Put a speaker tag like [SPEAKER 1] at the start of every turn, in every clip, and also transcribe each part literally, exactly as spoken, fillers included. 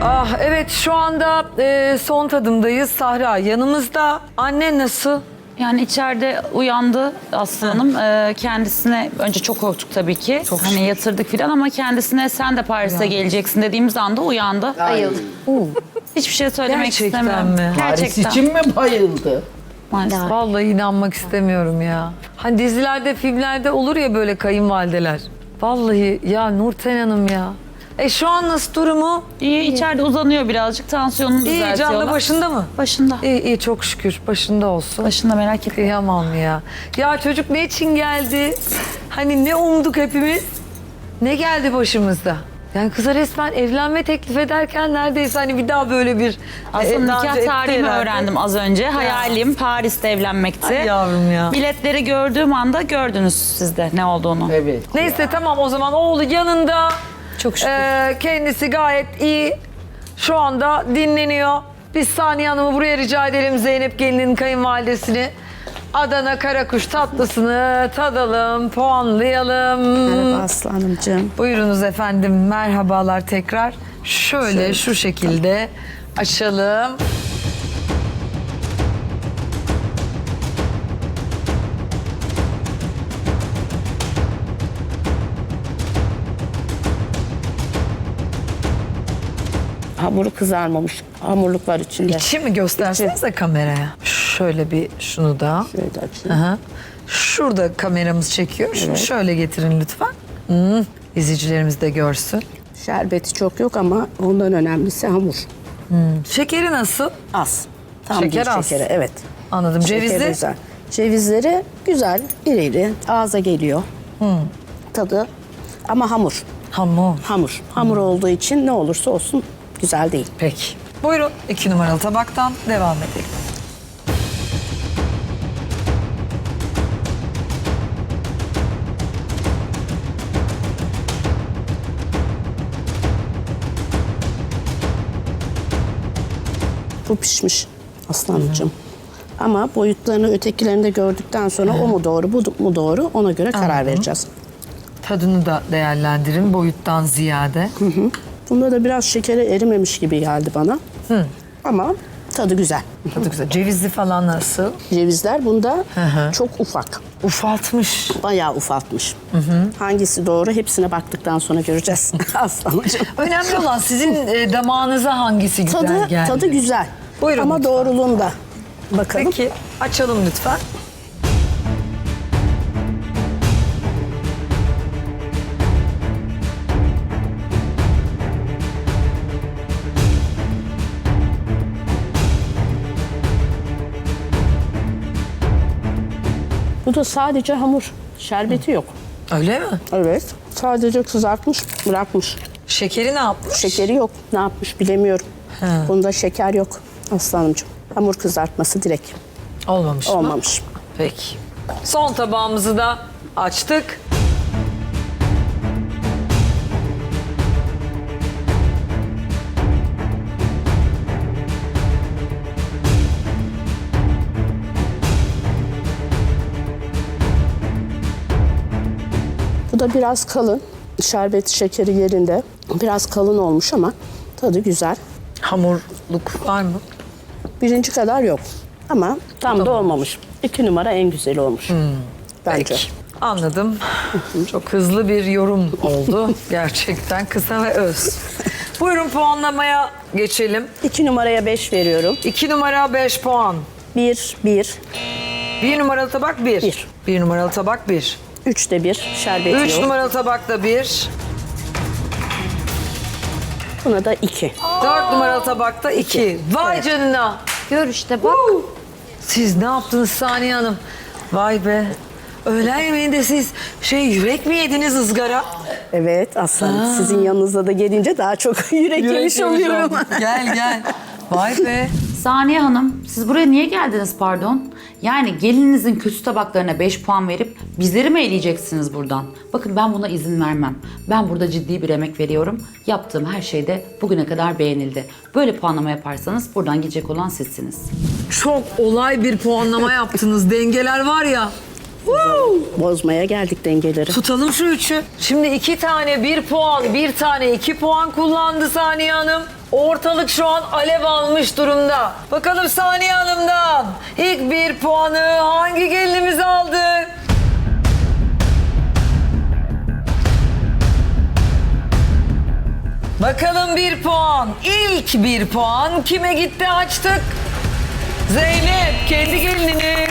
[SPEAKER 1] Ah evet, şu anda e, son tadımdayız. Sahra yanımızda. Anne nasıl?
[SPEAKER 2] Yani içeride uyandı Aslı Hanım. Ee, kendisine önce çok korktuk tabii ki.
[SPEAKER 1] Çok
[SPEAKER 2] hani
[SPEAKER 1] şükür.
[SPEAKER 2] yatırdık filan ama kendisine sen de Paris'e geleceksin dediğimiz anda uyandı.
[SPEAKER 3] Ayıldı.
[SPEAKER 2] Hiçbir şey söylemek
[SPEAKER 1] Gerçekten
[SPEAKER 2] istemiyorum.
[SPEAKER 1] mi?
[SPEAKER 4] Paris
[SPEAKER 2] Gerçekten.
[SPEAKER 4] için mi bayıldı?
[SPEAKER 2] Maalesef.
[SPEAKER 1] Vallahi inanmak istemiyorum ya. Hani dizilerde, filmlerde olur ya böyle kayınvalideler. Vallahi ya Nurten Hanım ya. E şu an nasıl durumu?
[SPEAKER 2] İyi, içeride uzanıyor birazcık. Tansiyonunu
[SPEAKER 1] İyi,
[SPEAKER 2] düzeltiyorlar.
[SPEAKER 1] canlı başında mı?
[SPEAKER 2] Başında.
[SPEAKER 1] İyi iyi, çok şükür başında olsun.
[SPEAKER 2] Başında, merak etme.
[SPEAKER 1] Kıyamam ya. Ya çocuk ne için geldi? Hani ne umduk hepimiz? Ne geldi başımızda? Yani kıza resmen evlenme teklif ederken neredeyse hani bir daha böyle bir...
[SPEAKER 2] Aslında
[SPEAKER 1] e, daha önce
[SPEAKER 2] nikah
[SPEAKER 1] etti
[SPEAKER 2] tarihimi
[SPEAKER 1] herhalde.
[SPEAKER 2] öğrendim az önce. Hayalim Paris'te evlenmekti.
[SPEAKER 1] Ay yavrum ya.
[SPEAKER 2] Biletleri gördüğüm anda gördünüz siz de ne olduğunu.
[SPEAKER 4] Evet.
[SPEAKER 1] Neyse tamam, o zaman oğlu yanında.
[SPEAKER 2] Çok şükür.
[SPEAKER 1] Ee, kendisi gayet iyi. Şu anda dinleniyor. Biz Saniye Hanım'ı buraya rica edelim, Zeynep gelinin kayınvalidesini. Adana karakuş tatlısını tadalım, puanlayalım.
[SPEAKER 3] Merhaba Aslı Hanımcığım.
[SPEAKER 1] Buyurunuz efendim, merhabalar tekrar. Şöyle şu şekilde açalım.
[SPEAKER 3] Hamuru kızarmamış. Hamurluk var içinde.
[SPEAKER 1] İçi mi göstersenize kameraya? Şöyle bir şunu da.
[SPEAKER 3] Şöyle açayım.
[SPEAKER 1] Aha. Şurada kameramız çekiyor. Şunu şöyle getirin lütfen. Hmm. İzleyicilerimiz de görsün.
[SPEAKER 3] Şerbeti çok yok ama ondan önemlisi hamur.
[SPEAKER 1] Şekeri nasıl?
[SPEAKER 3] Az. Tam
[SPEAKER 1] Şeker
[SPEAKER 3] bir
[SPEAKER 1] az.
[SPEAKER 3] şekeri, evet.
[SPEAKER 1] Anladım.
[SPEAKER 3] Şekeri
[SPEAKER 1] Cevizli?
[SPEAKER 3] güzel. Cevizleri güzel, iri iri. Ağza geliyor. Tadı ama hamur.
[SPEAKER 1] Hamur.
[SPEAKER 3] Hamur. Hamur olduğu için ne olursa olsun güzel değil.
[SPEAKER 1] Peki. Buyurun, iki numaralı tabaktan devam edelim.
[SPEAKER 3] Bu pişmiş Aslanımcığım. Ama boyutlarını ötekilerinde gördükten sonra o mu doğru, bu mu doğru ona göre karar
[SPEAKER 1] Anladım.
[SPEAKER 3] vereceğiz.
[SPEAKER 1] Tadını da değerlendirin boyuttan ziyade.
[SPEAKER 3] Bunda da biraz şekeri erimemiş gibi geldi bana. Ama tadı güzel.
[SPEAKER 1] Tadı güzel. Cevizli falan nasıl?
[SPEAKER 3] Cevizler bunda
[SPEAKER 1] hı.
[SPEAKER 3] çok ufak.
[SPEAKER 1] Ufaltmış.
[SPEAKER 3] Bayağı ufaltmış. Hangisi doğru hepsine baktıktan sonra göreceğiz Aslanımcığım.
[SPEAKER 1] Önemli olan sizin e, damağınıza hangisi güzel
[SPEAKER 3] Tadı,
[SPEAKER 1] geldi.
[SPEAKER 3] tadı güzel.
[SPEAKER 1] Buyurun
[SPEAKER 3] Ama
[SPEAKER 1] lütfen.
[SPEAKER 3] doğruluğunda. Bakalım.
[SPEAKER 1] Peki, açalım lütfen.
[SPEAKER 3] Bu da sadece hamur. Şerbeti yok.
[SPEAKER 1] Öyle mi?
[SPEAKER 3] Evet. Sadece kızartmış, bırakmış.
[SPEAKER 1] Şekeri ne yapmış?
[SPEAKER 3] Şekeri yok. Ne yapmış bilemiyorum. Bunda şeker yok Aslanımcığım. Hamur kızartması direkt
[SPEAKER 1] Olmamış mı?
[SPEAKER 3] olmamış.
[SPEAKER 1] Peki. Son tabağımızı da açtık.
[SPEAKER 3] Bu da biraz kalın. Şerbeti, şekeri yerinde. Biraz kalın olmuş ama tadı güzel.
[SPEAKER 1] Hamurluk var mı?
[SPEAKER 3] Birinci kadar yok. Ama tam da olmamış. İki numara en güzeli olmuş. Bence.
[SPEAKER 1] Peki. Anladım. Çok hızlı bir yorum oldu. Gerçekten kısa ve öz. Buyurun, puanlamaya geçelim.
[SPEAKER 3] İki numaraya beş veriyorum.
[SPEAKER 1] İki numara beş puan.
[SPEAKER 3] Bir, bir.
[SPEAKER 1] Bir numaralı tabak bir.
[SPEAKER 3] Bir.
[SPEAKER 1] Bir numaralı tabak bir.
[SPEAKER 3] Üç de bir. Şerbeti
[SPEAKER 1] Üç
[SPEAKER 3] yok.
[SPEAKER 1] numaralı tabak da bir.
[SPEAKER 3] Buna da iki.
[SPEAKER 1] Dört numaralı tabakta iki. Vay canına.
[SPEAKER 5] Gör işte bak.
[SPEAKER 1] Siz ne yaptınız Saniye Hanım? Vay be. Öğlen yemeğinde siz şey yürek mi yediniz, ızgara?
[SPEAKER 3] Evet aslanım. Sizin yanınıza da gelince daha çok yürek, yemiş oluyorum.
[SPEAKER 1] Gel gel. Vay be.
[SPEAKER 2] Saniye Hanım, siz buraya niye geldiniz pardon? Yani gelininizin kötü tabaklarına beş puan verip bizleri mi eleyeceksiniz buradan? Bakın ben buna izin vermem. Ben burada ciddi bir emek veriyorum. Yaptığım her şey de bugüne kadar beğenildi. Böyle puanlama yaparsanız buradan gidecek olan sizsiniz.
[SPEAKER 1] Çok olay bir puanlama yaptınız. Dengeler var ya.
[SPEAKER 3] Bozmaya geldik dengeleri.
[SPEAKER 1] Tutalım şu üçü. Şimdi iki tane bir puan, bir tane iki puan kullandı Saniye Hanım. Ortalık şu an alev almış durumda. Bakalım Saniye Hanım'dan ilk bir puanı hangi gelinimiz aldı? Bakalım bir puan. İlk bir puan kime gitti açtık? Zeynep kendi gelininiz.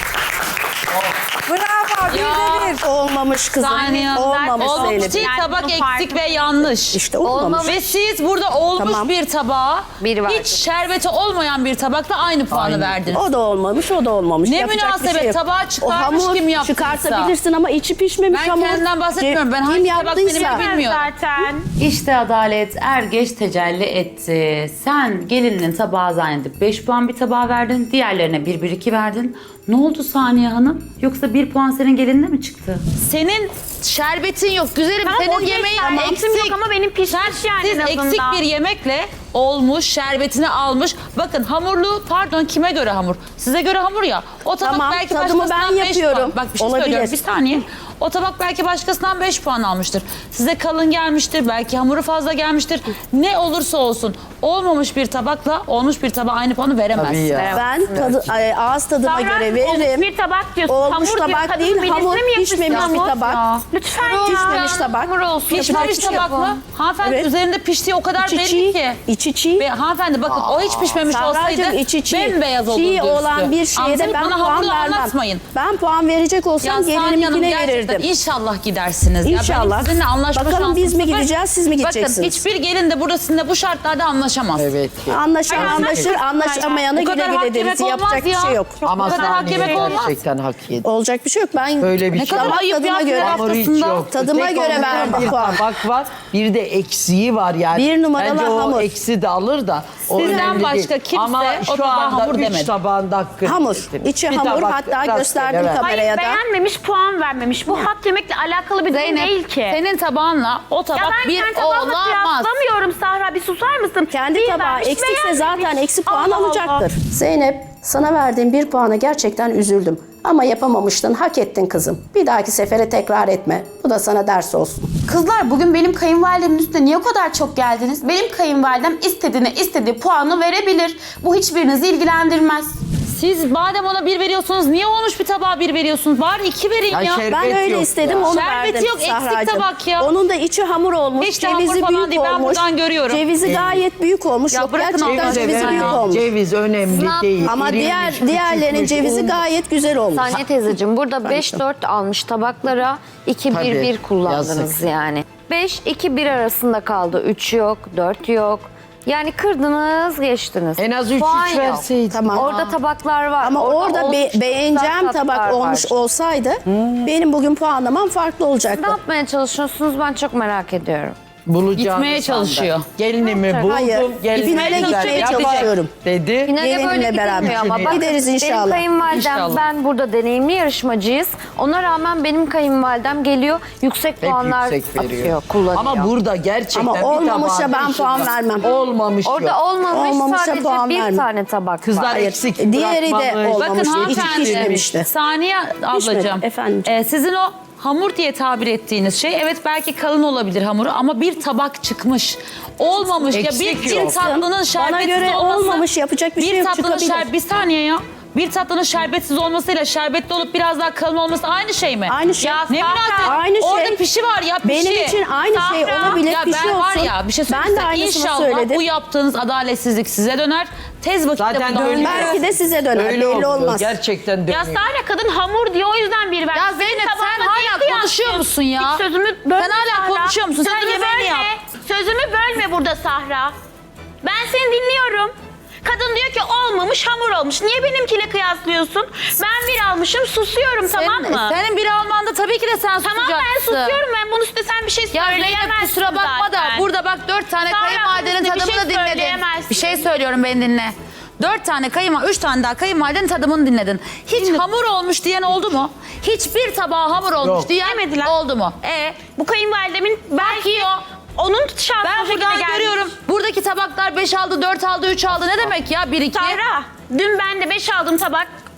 [SPEAKER 1] Bravo bir de bir.
[SPEAKER 3] Olmamış kızım.
[SPEAKER 2] Saniye Hanım,
[SPEAKER 3] Olmamış
[SPEAKER 2] olmamış
[SPEAKER 3] Zeynep.
[SPEAKER 2] değil, tabak eksik ve yanlış.
[SPEAKER 3] İşte olmamış.
[SPEAKER 2] Ve siz burada olmuş
[SPEAKER 3] Tamam.
[SPEAKER 2] bir tabağa
[SPEAKER 4] Bir verdim.
[SPEAKER 2] hiç şerbeti olmayan bir tabakla aynı puanı verdiniz.
[SPEAKER 3] O da olmamış, o da olmamış.
[SPEAKER 2] Ne
[SPEAKER 3] Yapacak bir
[SPEAKER 2] münasebet,
[SPEAKER 3] şey yok.
[SPEAKER 2] tabağı çıkarmış
[SPEAKER 3] O hamur
[SPEAKER 2] kim yaptıysa.
[SPEAKER 3] çıkartabilirsin ama içi pişmemiş
[SPEAKER 2] Ben
[SPEAKER 3] hamur.
[SPEAKER 2] kendimden bahsetmiyorum. Ben
[SPEAKER 3] Kim
[SPEAKER 2] hangi tabak benim
[SPEAKER 3] yaptıysa.
[SPEAKER 2] bilmiyorum.
[SPEAKER 4] Zaten.
[SPEAKER 2] İşte adalet er geç tecelli etti. Sen gelininin tabağı zannedip beş puan bir tabağa verdin. Diğerlerine bir bir iki verdin. Ne oldu Saniye Hanım? Yoksa bir puan senin gelinine mi çıktı? Senin şerbetin yok güzelim.
[SPEAKER 4] Tamam,
[SPEAKER 2] senin
[SPEAKER 4] okey,
[SPEAKER 2] yemeğin
[SPEAKER 4] şerbetim
[SPEAKER 2] eksik.
[SPEAKER 4] yok ama benim pişmiş
[SPEAKER 2] Sen-
[SPEAKER 4] yani
[SPEAKER 2] Siz
[SPEAKER 4] en azından.
[SPEAKER 2] eksik bir yemekle olmuş, şerbetini almış. Bakın hamurlu, pardon kime göre hamur? Size göre hamur ya. O tabak
[SPEAKER 3] Tamam,
[SPEAKER 2] belki
[SPEAKER 3] tadımı
[SPEAKER 2] başkasından
[SPEAKER 3] ben
[SPEAKER 2] beş
[SPEAKER 3] yapıyorum.
[SPEAKER 2] puan. Bak bir şey
[SPEAKER 3] Olabilir.
[SPEAKER 2] söylüyorum bir saniye. O tabak belki başkasından beş puan almıştır. Size kalın gelmiştir, belki hamuru fazla gelmiştir. Ne olursa olsun olmamış bir tabakla olmuş bir tabağa aynı puanı veremezsiniz.
[SPEAKER 1] Tabii ya.
[SPEAKER 3] Ben tadı, ay, ağız tadıma
[SPEAKER 4] Sahra,
[SPEAKER 3] göre
[SPEAKER 4] olmuş
[SPEAKER 3] veririm.
[SPEAKER 4] bir tabak diyorsun.
[SPEAKER 3] Olmuş
[SPEAKER 4] hamur diyor,
[SPEAKER 3] tabak
[SPEAKER 4] kadın
[SPEAKER 3] değil,
[SPEAKER 4] birisine
[SPEAKER 3] hamur
[SPEAKER 4] mi yapıyorsun
[SPEAKER 3] pişmemiş
[SPEAKER 4] hamur?
[SPEAKER 3] bir tabak.
[SPEAKER 4] Ya. Lütfen ya.
[SPEAKER 3] Pişmemiş tabak.
[SPEAKER 4] Hamur olsun.
[SPEAKER 3] Yapacak
[SPEAKER 2] Pişmemiş
[SPEAKER 3] bir şey yok.
[SPEAKER 2] tabak mı? Hanımefendi
[SPEAKER 3] Evet.
[SPEAKER 2] üzerinde piştiği o kadar
[SPEAKER 3] İçi
[SPEAKER 2] belli
[SPEAKER 3] çiğ,
[SPEAKER 2] ki.
[SPEAKER 3] içi çiğ.
[SPEAKER 2] Ve hanımefendi bakın o hiç pişmemiş
[SPEAKER 3] Sahracığım,
[SPEAKER 2] olsaydı
[SPEAKER 3] içi çiğ.
[SPEAKER 2] bembeyaz olurdu
[SPEAKER 3] Çiğ
[SPEAKER 2] üstü.
[SPEAKER 3] olan bir şeye de
[SPEAKER 2] Anlatayım,
[SPEAKER 3] ben
[SPEAKER 2] bana
[SPEAKER 3] puan
[SPEAKER 2] hamuru
[SPEAKER 3] vermem.
[SPEAKER 2] anlatmayın.
[SPEAKER 3] Ben puan verecek
[SPEAKER 2] Ya
[SPEAKER 3] olsam
[SPEAKER 2] Saniye Hanım
[SPEAKER 3] gelinimkine
[SPEAKER 2] gerçekten
[SPEAKER 3] verirdim.
[SPEAKER 2] inşallah gidersiniz. Ya
[SPEAKER 3] İnşallah.
[SPEAKER 2] benim sizinle anlaşma
[SPEAKER 3] Bakalım biz
[SPEAKER 2] şansım
[SPEAKER 3] mi
[SPEAKER 2] sıfır.
[SPEAKER 3] gideceğiz, siz mi gideceksiniz?
[SPEAKER 2] Bakın hiçbir gelin de burada sizinle bu şartlarda anlaşamaz.
[SPEAKER 5] Evet.
[SPEAKER 3] Anlaşan
[SPEAKER 4] Hayır,
[SPEAKER 3] anlaşır, anlaşamayanı
[SPEAKER 2] Bu
[SPEAKER 3] güle
[SPEAKER 2] kadar hak
[SPEAKER 3] güle
[SPEAKER 2] yemek
[SPEAKER 3] deriz. Yapacak
[SPEAKER 2] olmaz
[SPEAKER 3] bir
[SPEAKER 2] ya.
[SPEAKER 3] şey yok.
[SPEAKER 5] Ama
[SPEAKER 2] Bu kadar hak
[SPEAKER 5] Saniye
[SPEAKER 2] yemek olmaz.
[SPEAKER 5] gerçekten hak yedi.
[SPEAKER 3] Olacak bir şey yok. Ben
[SPEAKER 5] Böyle bir
[SPEAKER 2] Ne
[SPEAKER 5] şey.
[SPEAKER 2] kadar
[SPEAKER 3] Damak
[SPEAKER 2] ayıp
[SPEAKER 3] tadıma
[SPEAKER 2] ya
[SPEAKER 3] göre-
[SPEAKER 2] final
[SPEAKER 5] Hamuru hiç
[SPEAKER 2] haftasında.
[SPEAKER 5] yok.
[SPEAKER 3] Tadıma
[SPEAKER 5] Tek
[SPEAKER 3] göre
[SPEAKER 5] onun
[SPEAKER 3] verdim
[SPEAKER 5] bir
[SPEAKER 3] puan.
[SPEAKER 5] tabak var. Bir de eksiği var yani.
[SPEAKER 3] Bir numaralı
[SPEAKER 5] Bence o
[SPEAKER 3] hamur.
[SPEAKER 5] eksi de alır da. O
[SPEAKER 2] Sizden
[SPEAKER 5] önemli
[SPEAKER 2] başka
[SPEAKER 5] değil.
[SPEAKER 2] kimse
[SPEAKER 5] Ama
[SPEAKER 2] o
[SPEAKER 5] şu
[SPEAKER 2] tabağa
[SPEAKER 5] anda
[SPEAKER 2] hamur
[SPEAKER 5] üç
[SPEAKER 2] demedi.
[SPEAKER 5] tabağında hakkını
[SPEAKER 3] Hamur.
[SPEAKER 5] ettiniz.
[SPEAKER 3] İçi
[SPEAKER 5] Bir
[SPEAKER 3] hamur.
[SPEAKER 5] tabak
[SPEAKER 3] Hatta
[SPEAKER 5] rastgele
[SPEAKER 3] gösterdim
[SPEAKER 5] ver.
[SPEAKER 3] kameraya
[SPEAKER 4] Hayır
[SPEAKER 3] da.
[SPEAKER 4] beğenmemiş puan vermemiş. Bu hat yemekle alakalı bir durum
[SPEAKER 2] Zeynep
[SPEAKER 4] değil ki.
[SPEAKER 2] senin tabağınla o tabak
[SPEAKER 4] Ya ben
[SPEAKER 2] bir
[SPEAKER 4] kendi tabağımla
[SPEAKER 2] olamaz.
[SPEAKER 4] kıyaslamıyorum Sahra. Bir susar mısın?
[SPEAKER 3] Kendi
[SPEAKER 4] Bir
[SPEAKER 3] tabağı
[SPEAKER 4] vermiş,
[SPEAKER 3] eksikse
[SPEAKER 4] beğenmemiş.
[SPEAKER 3] zaten eksi puan
[SPEAKER 4] Allah Allah.
[SPEAKER 3] alacaktır. Zeynep, sana verdiğim bir puana gerçekten üzüldüm. Ama yapamamıştın, hak ettin kızım. Bir dahaki sefere tekrar etme. Bu da sana ders olsun.
[SPEAKER 6] Kızlar bugün benim kayınvalidemin üstüne niye o kadar çok geldiniz? Benim kayınvalidem istediğine istediği puanı verebilir. Bu hiçbirinizi ilgilendirmez.
[SPEAKER 2] Siz madem ona bir veriyorsunuz niye olmuş bir tabağa bir veriyorsunuz? Bari iki verin
[SPEAKER 5] Ya
[SPEAKER 2] ya.
[SPEAKER 5] şerbet
[SPEAKER 3] Ben öyle
[SPEAKER 5] yok
[SPEAKER 3] istedim,
[SPEAKER 5] ya.
[SPEAKER 3] onu
[SPEAKER 2] Şerbeti
[SPEAKER 3] verdim
[SPEAKER 2] yok, eksik
[SPEAKER 3] Sahracığım.
[SPEAKER 2] tabak ya.
[SPEAKER 3] Onun da içi hamur olmuş,
[SPEAKER 2] Hiç de hamur
[SPEAKER 3] cevizi
[SPEAKER 2] falan
[SPEAKER 3] büyük
[SPEAKER 2] değil, ben
[SPEAKER 3] olmuş.
[SPEAKER 2] buradan görüyorum.
[SPEAKER 3] Cevizi gayet büyük olmuş.
[SPEAKER 2] Ya
[SPEAKER 3] Yok,
[SPEAKER 2] bırakın
[SPEAKER 3] gerçekten
[SPEAKER 2] Allah
[SPEAKER 3] cevizi
[SPEAKER 2] aşkına
[SPEAKER 3] büyük
[SPEAKER 2] ya.
[SPEAKER 3] olmuş.
[SPEAKER 5] Ceviz önemli değil.
[SPEAKER 3] Ama
[SPEAKER 5] İrilmiş,
[SPEAKER 3] diğer diğerlerinin
[SPEAKER 5] küçülmüş,
[SPEAKER 3] cevizi
[SPEAKER 5] un.
[SPEAKER 3] gayet güzel olmuş.
[SPEAKER 7] Saniye teyzeciğim burada beş dört almış tabaklara iki bir bir
[SPEAKER 5] Tabii,
[SPEAKER 7] kullandınız
[SPEAKER 5] yazık.
[SPEAKER 7] yani. beş iki bir arasında kaldı. üç yok, dört yok. Yani kırdınız, geçtiniz.
[SPEAKER 5] En az üç
[SPEAKER 7] Puan
[SPEAKER 5] üç
[SPEAKER 7] yok.
[SPEAKER 5] verseydin.
[SPEAKER 3] Tamam.
[SPEAKER 7] Orada tabaklar var.
[SPEAKER 3] Ama orada,
[SPEAKER 7] olmuş
[SPEAKER 3] be-
[SPEAKER 7] güzel
[SPEAKER 3] beğeneceğim
[SPEAKER 7] tatlar
[SPEAKER 3] tabak
[SPEAKER 7] var.
[SPEAKER 3] olmuş olsaydı benim bugün puanlamam farklı
[SPEAKER 7] Ne
[SPEAKER 3] olacaktı.
[SPEAKER 7] yapmaya çalışıyorsunuz ben çok merak ediyorum.
[SPEAKER 5] Bulacağını
[SPEAKER 2] Gitmeye
[SPEAKER 5] sandı.
[SPEAKER 2] çalışıyor.
[SPEAKER 5] Gelinimi buldum.
[SPEAKER 3] Hayır,
[SPEAKER 5] gelinimi
[SPEAKER 3] finale
[SPEAKER 5] güzel
[SPEAKER 3] gitmeye
[SPEAKER 5] yapacak
[SPEAKER 3] çalışıyorum.
[SPEAKER 5] Dedi.
[SPEAKER 7] Finale
[SPEAKER 3] Gelinimle
[SPEAKER 7] böyle
[SPEAKER 3] beraber.
[SPEAKER 7] gidilmiyor ama bakın
[SPEAKER 3] Gideriz
[SPEAKER 7] benim
[SPEAKER 3] inşallah.
[SPEAKER 7] kayınvalidem
[SPEAKER 2] İnşallah.
[SPEAKER 7] ben burada deneyimli yarışmacıyız. Ona rağmen benim kayınvalidem geliyor yüksek
[SPEAKER 5] Hep
[SPEAKER 7] puanlar
[SPEAKER 5] yüksek veriyor.
[SPEAKER 7] atıyor, kullanıyor.
[SPEAKER 5] Ama burada gerçekten
[SPEAKER 3] Ama
[SPEAKER 5] bir
[SPEAKER 3] olmamışa
[SPEAKER 5] tabağın
[SPEAKER 3] ben
[SPEAKER 5] dışında
[SPEAKER 3] puan vermem.
[SPEAKER 5] Olmamış
[SPEAKER 7] Orada
[SPEAKER 5] yok.
[SPEAKER 7] olmamış
[SPEAKER 3] Olmamışa
[SPEAKER 7] sadece
[SPEAKER 3] puan
[SPEAKER 7] bir
[SPEAKER 3] vermem.
[SPEAKER 7] tane tabak
[SPEAKER 5] Kızlar
[SPEAKER 7] var.
[SPEAKER 3] Hayır,
[SPEAKER 5] eksik
[SPEAKER 3] diğeri de
[SPEAKER 5] bırakmamış.
[SPEAKER 3] olmamış.
[SPEAKER 2] Bakın
[SPEAKER 3] Hiç
[SPEAKER 2] hanımefendi,
[SPEAKER 3] pişmemişti.
[SPEAKER 2] Saniye ablacığım,
[SPEAKER 3] efendim.
[SPEAKER 2] e, sizin o hamur diye tabir ettiğiniz şey evet belki kalın olabilir hamuru ama bir tabak çıkmış. Olmamış ya bir,
[SPEAKER 5] Eksik
[SPEAKER 2] bir
[SPEAKER 5] yok.
[SPEAKER 2] tatlının
[SPEAKER 3] Bana
[SPEAKER 2] şerbetsiz
[SPEAKER 3] göre
[SPEAKER 2] olması.
[SPEAKER 3] olmamış, yapacak bir şey yok,
[SPEAKER 2] tatlının
[SPEAKER 3] çıkabilir.
[SPEAKER 2] şer- bir saniye ya. Bir tatlının şerbetsiz olmasıyla şerbetli olup biraz daha kalın olması aynı şey mi?
[SPEAKER 3] Aynı şey.
[SPEAKER 2] Ya ne münasebet?
[SPEAKER 3] Aynı şey.
[SPEAKER 2] Orada pişi var ya pişi.
[SPEAKER 3] Benim için aynı şey olabilir,
[SPEAKER 2] Ya
[SPEAKER 3] pişi
[SPEAKER 2] ben var
[SPEAKER 3] olsun.
[SPEAKER 2] ya bir şey
[SPEAKER 3] Ben de
[SPEAKER 2] söyleyeyim.
[SPEAKER 3] aynısını
[SPEAKER 2] İnşallah
[SPEAKER 3] söyledim.
[SPEAKER 2] bu yaptığınız adaletsizlik size döner. Tez vakitte
[SPEAKER 5] Zaten
[SPEAKER 2] bundan
[SPEAKER 5] dönüyor.
[SPEAKER 3] Belki de size döner,
[SPEAKER 5] Öyle
[SPEAKER 3] belli
[SPEAKER 5] oluyor.
[SPEAKER 3] olmaz.
[SPEAKER 5] Gerçekten dönüyor.
[SPEAKER 4] Ya Sahra kadın hamur diyor o yüzden bir vermiş.
[SPEAKER 2] Ya
[SPEAKER 4] Senin
[SPEAKER 2] Zeynep sen
[SPEAKER 4] tabağına
[SPEAKER 2] hala
[SPEAKER 4] değil
[SPEAKER 2] konuşuyor
[SPEAKER 4] kıyaslıyorsun.
[SPEAKER 2] musun ya?
[SPEAKER 4] Hiç sözümü bölme
[SPEAKER 2] Sen hala
[SPEAKER 4] Sahra.
[SPEAKER 2] konuşuyor musun? Sen
[SPEAKER 4] Sözümü
[SPEAKER 2] yemeğini
[SPEAKER 4] bölme.
[SPEAKER 2] yap.
[SPEAKER 4] Sözümü bölme burada Sahra. Ben seni dinliyorum. Kadın diyor ki olmamış hamur olmuş. Niye benimkiyle kıyaslıyorsun? Ben bir almışım susuyorum tamam mı?
[SPEAKER 2] Senin bir Alman'da tabii ki de sen
[SPEAKER 4] Tamam
[SPEAKER 2] susacaksın.
[SPEAKER 4] ben susuyorum. Ben bunun üstüne sen bir şey
[SPEAKER 2] Ya Zeynep
[SPEAKER 4] söyleyemezsin
[SPEAKER 2] kusura bakma da
[SPEAKER 4] zaten.
[SPEAKER 2] burada bak dört tane
[SPEAKER 4] Sonra
[SPEAKER 2] kayınvalidenin
[SPEAKER 4] bir şey
[SPEAKER 2] tadımını dinledin.
[SPEAKER 4] söyleyemezsin.
[SPEAKER 2] Bir şey söylüyorum beni dinle. Dört tane kayınvalide, üç tane daha kayınvalidenin tadımını dinledin. Hiç hamur olmuş diyen oldu mu? Hiçbir tabağa hamur olmuş
[SPEAKER 5] Yok.
[SPEAKER 2] diyen
[SPEAKER 4] Demediler.
[SPEAKER 2] oldu mu? E
[SPEAKER 4] Bu kayınvalidemin belki onun şansı
[SPEAKER 2] ben
[SPEAKER 4] o şekilde
[SPEAKER 2] buradan
[SPEAKER 4] gelmiş.
[SPEAKER 2] görüyorum. Buradaki tabaklar beş aldı, dört aldı, üç aldı. Ne demek ya? Bir iki.
[SPEAKER 4] Sahra, dün ben de beş aldım tabak.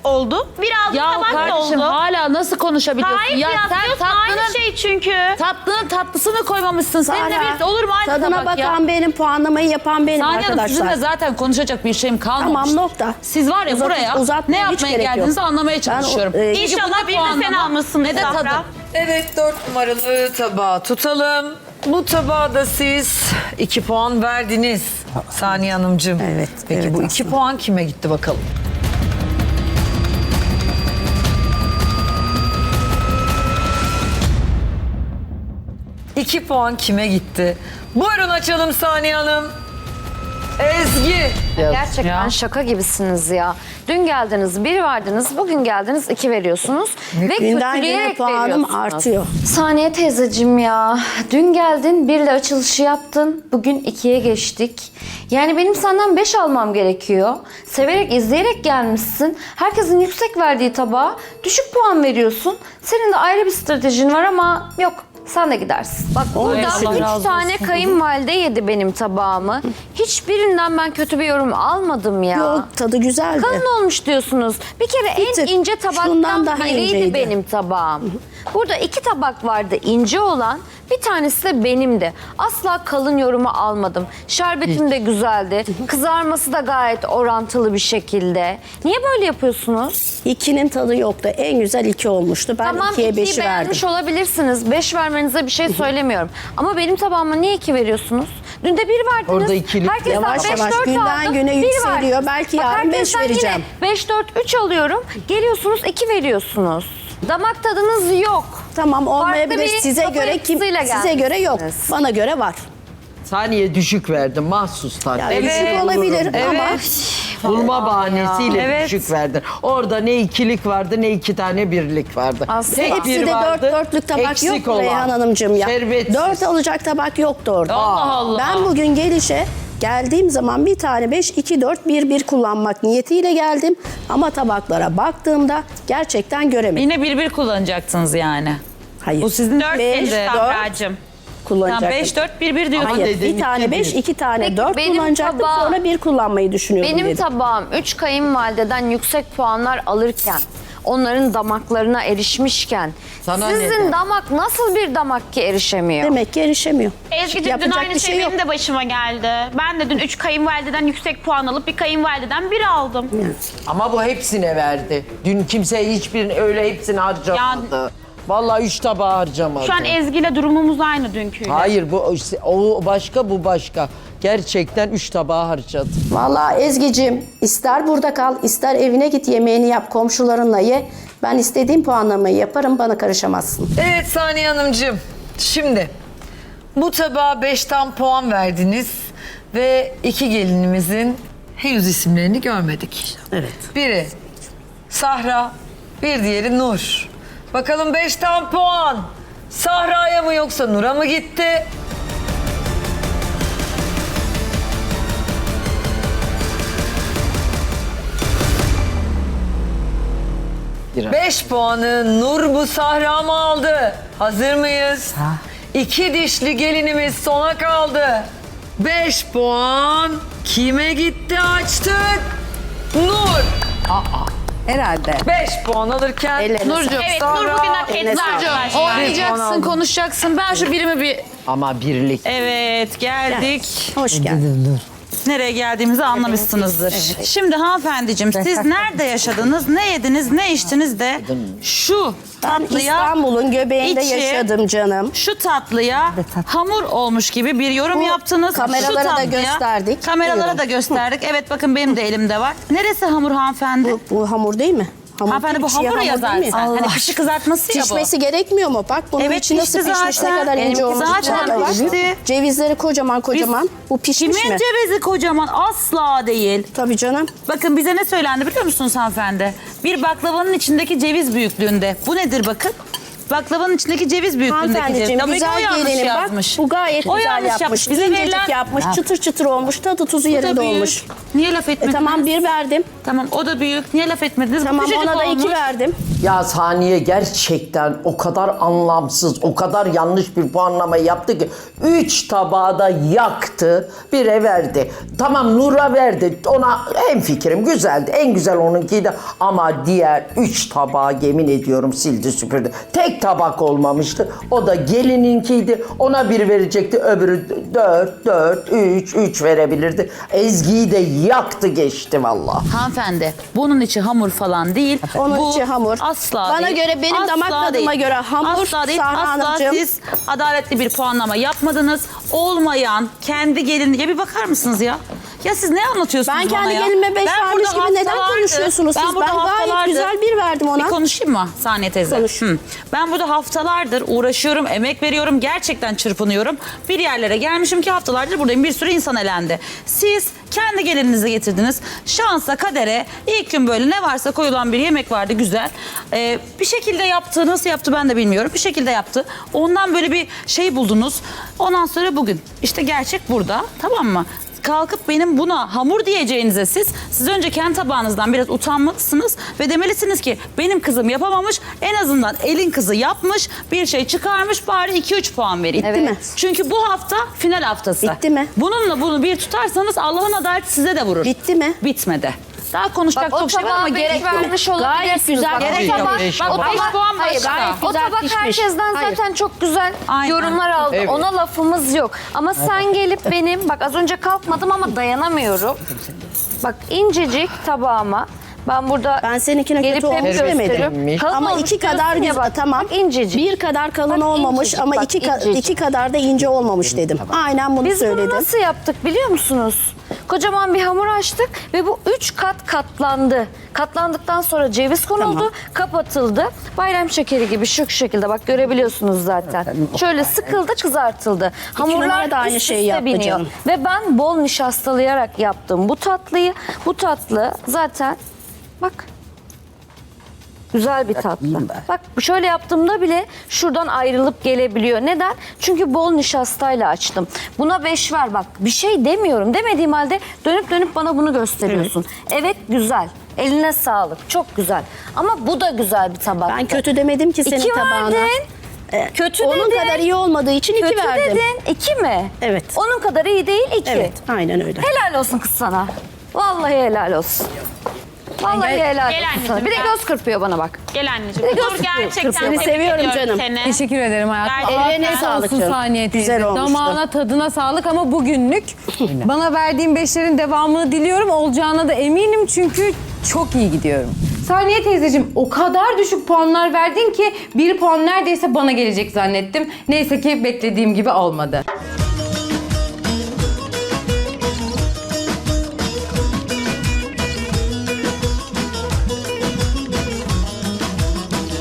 [SPEAKER 4] oldu. Bir aldığım
[SPEAKER 2] Ya
[SPEAKER 4] tabak da
[SPEAKER 2] kardeşim
[SPEAKER 4] oldu.
[SPEAKER 2] hala nasıl konuşabiliyorsun?
[SPEAKER 4] Hayır
[SPEAKER 2] ya
[SPEAKER 4] kıyaslıyorsun aynı şey çünkü.
[SPEAKER 2] tatlının tatlısını koymamışsın. Seninle
[SPEAKER 3] Sahra,
[SPEAKER 2] bir olur mu aynı
[SPEAKER 3] tadına
[SPEAKER 2] tabak ya?
[SPEAKER 3] bakan benim, puanlamayı yapan benim
[SPEAKER 2] Saniye Hanım sizinle
[SPEAKER 3] arkadaşlar.
[SPEAKER 2] zaten konuşacak bir şeyim kalmamış.
[SPEAKER 3] Tamam, nokta.
[SPEAKER 2] Siz var ya
[SPEAKER 3] Uzat-
[SPEAKER 2] buraya
[SPEAKER 3] uzatmaya
[SPEAKER 2] ne
[SPEAKER 3] hiç
[SPEAKER 2] yapmaya
[SPEAKER 3] gerek yok.
[SPEAKER 2] geldiğinizi anlamaya çalışıyorum.
[SPEAKER 3] Ben o- e,
[SPEAKER 2] Çünkü
[SPEAKER 4] İnşallah
[SPEAKER 2] bu
[SPEAKER 4] bir de sen
[SPEAKER 2] puanlama
[SPEAKER 4] almışsındır
[SPEAKER 2] ne de
[SPEAKER 4] Sahra.
[SPEAKER 2] tadı.
[SPEAKER 1] Evet, dört numaralı tabağı tutalım. Bu tabağa da siz iki puan verdiniz Saniye Hanımcığım.
[SPEAKER 3] Evet,
[SPEAKER 1] Peki
[SPEAKER 3] evet
[SPEAKER 1] bu iki
[SPEAKER 3] aslında.
[SPEAKER 1] puan kime gitti bakalım? İki puan kime gitti? Buyurun açalım Saniye Hanım. Ezgi.
[SPEAKER 7] Gerçekten
[SPEAKER 2] Ya.
[SPEAKER 7] şaka gibisiniz ya. Dün geldiniz bir verdiniz, bugün geldiniz iki veriyorsunuz. Ve
[SPEAKER 3] Günden güne
[SPEAKER 7] kötüleyerek
[SPEAKER 3] puanım
[SPEAKER 7] veriyorsunuz.
[SPEAKER 3] artıyor.
[SPEAKER 7] Saniye teyzeciğim ya. Dün geldin birle açılışı yaptın. Bugün ikiye geçtik. Yani benim senden beş almam gerekiyor. Severek izleyerek gelmişsin. Herkesin yüksek verdiği tabağa düşük puan veriyorsun. Senin de ayrı bir stratejin var ama yok. Sen de gidersin. Bak burada
[SPEAKER 2] Allah
[SPEAKER 7] üç
[SPEAKER 2] razı
[SPEAKER 7] tane kayınvalide yedi benim tabağımı. Hiçbirinden ben kötü bir yorum almadım ya.
[SPEAKER 3] Yok, tadı güzeldi.
[SPEAKER 7] Kalın olmuş diyorsunuz. Bir kere
[SPEAKER 3] Bir
[SPEAKER 7] en
[SPEAKER 3] tık.
[SPEAKER 7] ince
[SPEAKER 3] Şundan
[SPEAKER 7] tabaktan
[SPEAKER 3] daha
[SPEAKER 7] biriydi
[SPEAKER 3] inceydi.
[SPEAKER 7] benim tabağım. Burada iki tabak vardı ince olan. Bir tanesi de benimdi. Asla kalın yorumu almadım. Şerbetim de güzeldi. Kızarması da gayet orantılı bir şekilde. Niye böyle yapıyorsunuz?
[SPEAKER 3] İkinin tadı yoktu. En güzel iki olmuştu. Ben
[SPEAKER 7] Tamam
[SPEAKER 3] ikiye
[SPEAKER 7] ikiyi
[SPEAKER 3] beşi verdim.
[SPEAKER 7] beğenmiş olabilirsiniz. Beş vermenize bir şey söylemiyorum. Ama benim tabağıma niye iki veriyorsunuz? Dün de bir verdiniz.
[SPEAKER 5] Orada ikilik
[SPEAKER 7] Herkesten
[SPEAKER 3] yavaş
[SPEAKER 7] beş,
[SPEAKER 3] yavaş
[SPEAKER 7] dört
[SPEAKER 3] günden
[SPEAKER 7] aldım,
[SPEAKER 3] güne
[SPEAKER 7] bir
[SPEAKER 3] yükseliyor.
[SPEAKER 7] verdiniz.
[SPEAKER 3] Belki
[SPEAKER 7] Bak,
[SPEAKER 3] yarın beş
[SPEAKER 7] herkesten
[SPEAKER 3] vereceğim.
[SPEAKER 7] Yine beş, dört, üç alıyorum. Geliyorsunuz iki veriyorsunuz. Damak tadınız yok.
[SPEAKER 3] Tamam, olmayabilir.
[SPEAKER 7] Farklı bir
[SPEAKER 3] Size
[SPEAKER 7] kafa
[SPEAKER 3] göre kim?
[SPEAKER 7] yapısıyla
[SPEAKER 3] Size göre yok.
[SPEAKER 7] gelmişsiniz.
[SPEAKER 3] Bana göre var.
[SPEAKER 5] Saniye düşük verdim mahsus tabii.
[SPEAKER 3] Yani düşük olabilir ama
[SPEAKER 5] Bulma bahanesiyle
[SPEAKER 1] Evet.
[SPEAKER 5] düşük verdin. Orada ne ikilik vardı ne iki tane birlik vardı.
[SPEAKER 7] Aslında
[SPEAKER 5] Tek
[SPEAKER 3] hepsi
[SPEAKER 5] bir
[SPEAKER 3] de
[SPEAKER 5] vardı,
[SPEAKER 3] dört dörtlük tabak
[SPEAKER 5] eksik
[SPEAKER 3] yok
[SPEAKER 5] olan.
[SPEAKER 3] Reyhan Hanımcığım ya.
[SPEAKER 5] Şerbetsiz.
[SPEAKER 3] Dört alacak tabak yoktu orada.
[SPEAKER 2] Allah Allah.
[SPEAKER 3] Ben bugün gelişe geldiğim zaman bir tane beş, iki, dört, bir, bir kullanmak niyetiyle geldim. Ama tabaklara baktığımda gerçekten göremedim.
[SPEAKER 2] Yine bir bir kullanacaksınız yani.
[SPEAKER 3] Hayır.
[SPEAKER 2] Bu sizin
[SPEAKER 4] Dört
[SPEAKER 2] Beş,
[SPEAKER 4] geç
[SPEAKER 2] dört.
[SPEAKER 4] Sahracığım.
[SPEAKER 3] kullanacaktım.
[SPEAKER 2] beş dört bir bir diyorsun.
[SPEAKER 3] Hayır,
[SPEAKER 5] dedin
[SPEAKER 3] bir tane
[SPEAKER 5] iki,
[SPEAKER 3] beş,
[SPEAKER 5] bir.
[SPEAKER 3] iki tane
[SPEAKER 7] Peki,
[SPEAKER 3] dört
[SPEAKER 7] benim
[SPEAKER 3] kullanacaktım.
[SPEAKER 7] tabağı-
[SPEAKER 3] Sonra bir kullanmayı düşünüyordum
[SPEAKER 7] Benim
[SPEAKER 3] dedim.
[SPEAKER 7] tabağım üç kayınvalideden yüksek puanlar alırken, onların damaklarına erişmişken,
[SPEAKER 5] Sana
[SPEAKER 7] sizin
[SPEAKER 5] ne?
[SPEAKER 7] damak nasıl bir damak ki erişemiyor?
[SPEAKER 3] Demek ki erişemiyor.
[SPEAKER 4] Ezgi'cim dün
[SPEAKER 3] Yapacak
[SPEAKER 4] aynı
[SPEAKER 3] bir
[SPEAKER 4] şey,
[SPEAKER 3] şey yok.
[SPEAKER 4] benim de başıma geldi. Ben de dün üç kayınvalideden yüksek puan alıp bir kayınvalideden bir aldım.
[SPEAKER 5] Ama bu hepsine verdi. Dün kimse hiçbirini öyle hepsini harcamadı. Vallahi üç tabağı harcamadı.
[SPEAKER 4] Şu an Ezgi ile durumumuz aynı dünküyle.
[SPEAKER 5] Hayır bu o başka bu başka. Gerçekten üç tabağı harcadı.
[SPEAKER 3] Vallahi Ezgi'cim ister burada kal, ister evine git, yemeğini yap, komşularınla ye. Ben istediğim puanlamayı yaparım, bana karışamazsın.
[SPEAKER 1] Evet Saniye Hanımcığım. Şimdi bu tabağa beşten puan verdiniz ve iki gelinimizin henüz isimlerini görmedik.
[SPEAKER 3] Evet.
[SPEAKER 1] Biri Sahra, bir diğeri Nur. Bakalım beşten puan Sahra'ya mı yoksa Nur'a mı gitti? Beş puanı Nur bu Sahra mı aldı? Hazır mıyız? İki dişli gelinimiz sona kaldı. Beş puan kime gitti açtık? Nur.
[SPEAKER 8] Herhalde.
[SPEAKER 1] Beş puan alırken
[SPEAKER 3] Ellerine
[SPEAKER 2] Nurcuğum.
[SPEAKER 4] Evet Nur bugün hak etti
[SPEAKER 3] Eline sağlık.
[SPEAKER 4] arkadaşlar.
[SPEAKER 2] Oynayacaksın, konuşacaksın. Ben şu birimi bir...
[SPEAKER 5] Ama birlik.
[SPEAKER 2] Evet, geldik.
[SPEAKER 3] Hoş geldin.
[SPEAKER 2] Nereye geldiğimizi anlamışsınızdır. Şimdi hanımefendiciğim siz nerede yaşadınız, ne yediniz, ne içtiniz de şu
[SPEAKER 3] Ben
[SPEAKER 2] tatlıya,
[SPEAKER 3] İstanbul'un göbeğinde
[SPEAKER 2] içi-
[SPEAKER 3] yaşadım canım.
[SPEAKER 2] şu tatlıya hamur olmuş gibi bir yorum
[SPEAKER 3] Bu
[SPEAKER 2] yaptınız.
[SPEAKER 3] kameralara
[SPEAKER 2] Şu
[SPEAKER 3] da
[SPEAKER 2] tatlıya-
[SPEAKER 3] gösterdik.
[SPEAKER 2] Kameralara
[SPEAKER 3] Buyurun.
[SPEAKER 2] da gösterdik. Evet bakın benim de elimde var. Neresi hamur hanımefendi?
[SPEAKER 3] Bu, bu hamur değil mi? Hamur
[SPEAKER 2] hanımefendi bu
[SPEAKER 3] değil, çiğ
[SPEAKER 2] hamur ya
[SPEAKER 3] hamur değil mi?
[SPEAKER 2] zaten. Hani pişi kızartması ya bu.
[SPEAKER 3] Pişmesi gerekmiyor mu? Bak bunun
[SPEAKER 2] Evet,
[SPEAKER 3] içi nasıl
[SPEAKER 2] pişti
[SPEAKER 3] pişmiş,
[SPEAKER 2] zaten.
[SPEAKER 3] ne kadar ince
[SPEAKER 2] Benimki
[SPEAKER 3] olmuş.
[SPEAKER 2] zaten
[SPEAKER 3] içine bak.
[SPEAKER 2] pişti.
[SPEAKER 3] Cevizleri kocaman kocaman. Bu pişmiş
[SPEAKER 2] Kimin
[SPEAKER 3] mi?
[SPEAKER 2] cevizi kocaman? Asla değil.
[SPEAKER 3] Tabii canım.
[SPEAKER 2] Bakın bize ne söylendi biliyor musunuz hanımefendi? Bir baklavanın içindeki ceviz büyüklüğünde. Bu nedir bakın? baklavanın içindeki ceviz büyüklüğündeki ceviz.
[SPEAKER 3] Hanımefendiciğim
[SPEAKER 2] Tabii ki
[SPEAKER 3] güzel
[SPEAKER 2] o yanlış
[SPEAKER 3] gelinim bak
[SPEAKER 2] yazmış.
[SPEAKER 3] bu gayet
[SPEAKER 2] O
[SPEAKER 3] güzel
[SPEAKER 2] yanlış
[SPEAKER 3] yapmış.
[SPEAKER 2] yapmış. Bize
[SPEAKER 3] İncecik
[SPEAKER 2] verilen-
[SPEAKER 3] yapmış, çıtır çıtır olmuş, tadı tuzu
[SPEAKER 2] Bu da
[SPEAKER 3] yerinde
[SPEAKER 2] büyük.
[SPEAKER 3] olmuş.
[SPEAKER 2] Niye laf
[SPEAKER 3] E
[SPEAKER 2] etmediniz?
[SPEAKER 3] tamam bir verdim.
[SPEAKER 2] Tamam o da büyük. Niye laf etmediniz? Bu
[SPEAKER 3] Tamam
[SPEAKER 2] küçücük
[SPEAKER 3] ona da
[SPEAKER 2] olmuş.
[SPEAKER 3] iki verdim.
[SPEAKER 5] Ya Saniye gerçekten o kadar anlamsız, o kadar yanlış bir puanlama yaptı ki üç tabağı da yaktı, bire verdi. Tamam Nur'a verdi, ona hemfikirim, güzeldi. En güzel onunkiydi ama diğer üç tabağı yemin ediyorum sildi süpürdü. Tek tabak olmamıştı, o da gelininkiydi. Ona bir verecekti, öbürü dört, dört, üç, üç verebilirdi. Ezgi'yi de yaktı geçti vallahi.
[SPEAKER 2] Hanımefendi bunun içi hamur falan değil.
[SPEAKER 3] Onun
[SPEAKER 2] Bu
[SPEAKER 3] içi hamur.
[SPEAKER 2] Asla
[SPEAKER 3] Bana
[SPEAKER 2] değil.
[SPEAKER 3] göre, benim damak tadıma
[SPEAKER 2] değil.
[SPEAKER 3] göre hamur,
[SPEAKER 2] Asla değil.
[SPEAKER 3] Sahra
[SPEAKER 2] Asla
[SPEAKER 3] Hanımcığım.
[SPEAKER 2] siz adaletli bir puanlama yapmadınız. Olmayan kendi gelinliğe bir bakar mısınız ya? Ya siz ne anlatıyorsunuz
[SPEAKER 3] Ben
[SPEAKER 2] bana
[SPEAKER 3] kendi
[SPEAKER 2] ya?
[SPEAKER 3] gelinime beş
[SPEAKER 2] Ben
[SPEAKER 3] vermiş
[SPEAKER 2] burada
[SPEAKER 3] gibi neden
[SPEAKER 2] haftalardır-
[SPEAKER 3] konuşuyorsunuz siz?
[SPEAKER 2] burada
[SPEAKER 3] Ben gayet
[SPEAKER 2] haftalardır-
[SPEAKER 3] güzel bir verdim ona.
[SPEAKER 2] Bir konuşayım mı Saniye teyze?
[SPEAKER 3] Konuş.
[SPEAKER 2] Hı. Ben burada haftalardır uğraşıyorum, emek veriyorum, gerçekten çırpınıyorum. Bir yerlere gelmişim ki haftalardır buradayım. Bir sürü insan elendi. Siz kendi gelininizi getirdiniz. Şansa, kadere ilk gün böyle ne varsa koyulan bir yemek vardı güzel. Ee, bir şekilde yaptı, nasıl yaptı ben de bilmiyorum. Bir şekilde yaptı. Ondan böyle bir şey buldunuz. Ondan sonra bugün işte gerçek burada, tamam mı? Kalkıp benim buna hamur diyeceğinize siz, siz önce kendi tabağınızdan biraz utanmalısınız ve demelisiniz ki benim kızım yapamamış, en azından elin kızı yapmış, bir şey çıkarmış, bari iki üç puan vereyim.
[SPEAKER 3] Bitti mi?
[SPEAKER 2] Çünkü bu hafta final haftası.
[SPEAKER 3] Bitti mi?
[SPEAKER 2] Bununla bunu bir tutarsanız Allah'ın adaleti size de vurur.
[SPEAKER 3] Bitti mi?
[SPEAKER 2] Bitmedi. Daha konuşacak
[SPEAKER 7] Bak o
[SPEAKER 2] çok şey var ama
[SPEAKER 7] tabağa
[SPEAKER 2] gerek
[SPEAKER 7] beş
[SPEAKER 2] yok.
[SPEAKER 7] vermiş
[SPEAKER 3] Gayet
[SPEAKER 7] olabilirsiniz.
[SPEAKER 3] güzel.
[SPEAKER 7] Bak,
[SPEAKER 2] Gerek
[SPEAKER 7] o
[SPEAKER 2] yok.
[SPEAKER 7] tabak,
[SPEAKER 5] Beş
[SPEAKER 7] o
[SPEAKER 5] puan.
[SPEAKER 7] tabak,
[SPEAKER 2] Beş puan
[SPEAKER 7] hayır,
[SPEAKER 2] başka.
[SPEAKER 7] gayet o
[SPEAKER 3] güzel
[SPEAKER 7] tabak
[SPEAKER 3] pişmiş.
[SPEAKER 7] herkesten
[SPEAKER 3] Hayır.
[SPEAKER 7] zaten çok güzel
[SPEAKER 2] Aynen.
[SPEAKER 7] yorumlar aldı.
[SPEAKER 5] Evet.
[SPEAKER 7] Ona lafımız yok. Ama sen gelip benim, bak az önce kalkmadım ama dayanamıyorum. Bak incecik tabağıma. Ben burada
[SPEAKER 3] Ben seninkine
[SPEAKER 7] gelip
[SPEAKER 3] kötü
[SPEAKER 7] hep
[SPEAKER 3] olmuş demedim.
[SPEAKER 7] gösteriyorum. Kalın
[SPEAKER 3] Ama
[SPEAKER 7] olmuş
[SPEAKER 3] iki kadar
[SPEAKER 7] diyorsun ya
[SPEAKER 3] güzel,
[SPEAKER 7] bak,
[SPEAKER 3] tamam.
[SPEAKER 7] Bak incecik.
[SPEAKER 3] Bir kadar kalın
[SPEAKER 7] Bak
[SPEAKER 3] olmamış
[SPEAKER 7] incecik,
[SPEAKER 3] ama
[SPEAKER 7] bak
[SPEAKER 3] iki, ka-
[SPEAKER 7] incecik.
[SPEAKER 3] iki kadar da ince olmamış dedim. Aynen bunu
[SPEAKER 7] Biz
[SPEAKER 3] söyledim.
[SPEAKER 7] bunu nasıl yaptık biliyor musunuz? Kocaman bir hamur açtık ve bu üç kat katlandı. Katlandıktan sonra ceviz konuldu,
[SPEAKER 3] Tamam.
[SPEAKER 7] kapatıldı. Bayram şekeri gibi şu şekilde bak görebiliyorsunuz zaten. Şöyle sıkıldı, kızartıldı.
[SPEAKER 3] numara
[SPEAKER 7] Hamurlar
[SPEAKER 3] da aynı
[SPEAKER 7] üst
[SPEAKER 3] şeyi
[SPEAKER 7] üste
[SPEAKER 3] yaptı
[SPEAKER 7] biniyor.
[SPEAKER 3] canım.
[SPEAKER 7] Ve ben bol nişastalayarak yaptım bu tatlıyı. Bu tatlı zaten bak güzel bir tatlı. Bak şöyle yaptığımda bile şuradan ayrılıp gelebiliyor. Neden? Çünkü bol nişastayla açtım. Buna beş ver bak. Bir şey demiyorum. Demediğim halde dönüp dönüp bana bunu gösteriyorsun. Evet, güzel. Eline sağlık. Çok güzel. Ama bu da güzel bir tabak.
[SPEAKER 3] Ben kötü demedim ki senin
[SPEAKER 7] İki
[SPEAKER 3] tabağına.
[SPEAKER 7] verdin.
[SPEAKER 3] Ee,
[SPEAKER 7] Kötü
[SPEAKER 3] Onun
[SPEAKER 7] dedin.
[SPEAKER 3] kadar iyi olmadığı için iki
[SPEAKER 7] Kötü
[SPEAKER 3] verdim.
[SPEAKER 7] dedin. İki mi?
[SPEAKER 3] Evet.
[SPEAKER 7] Onun kadar iyi değil iki.
[SPEAKER 3] Evet, aynen öyle.
[SPEAKER 7] Helal olsun kız sana. Vallahi helal olsun. Vallahi helal
[SPEAKER 4] Gel
[SPEAKER 7] olsun
[SPEAKER 4] anneciğim,
[SPEAKER 7] sana. Bir de
[SPEAKER 4] gel.
[SPEAKER 7] göz kırpıyor bana bak.
[SPEAKER 4] Gel anneciğim.
[SPEAKER 7] Bir de
[SPEAKER 4] Dur
[SPEAKER 7] göz
[SPEAKER 4] gerçekten
[SPEAKER 7] kırpıyor.
[SPEAKER 4] tebrik
[SPEAKER 3] Seviyorum
[SPEAKER 4] ediyorum
[SPEAKER 3] canım.
[SPEAKER 4] seni.
[SPEAKER 8] Teşekkür ederim hayatım.
[SPEAKER 4] Gerçekten.
[SPEAKER 3] Ellerine
[SPEAKER 8] Afiyet
[SPEAKER 3] sağlık
[SPEAKER 8] olsun
[SPEAKER 3] canım.
[SPEAKER 8] Saniye teyze.
[SPEAKER 3] Güzel olmuştu.
[SPEAKER 8] Damağına tadına sağlık ama bugünlük bana verdiğin beşlerin devamını diliyorum. Olacağına da eminim çünkü çok iyi gidiyorum. Saniye teyzeciğim o kadar düşük puanlar verdin ki bir puan neredeyse bana gelecek zannettim. Neyse ki beklediğim gibi olmadı.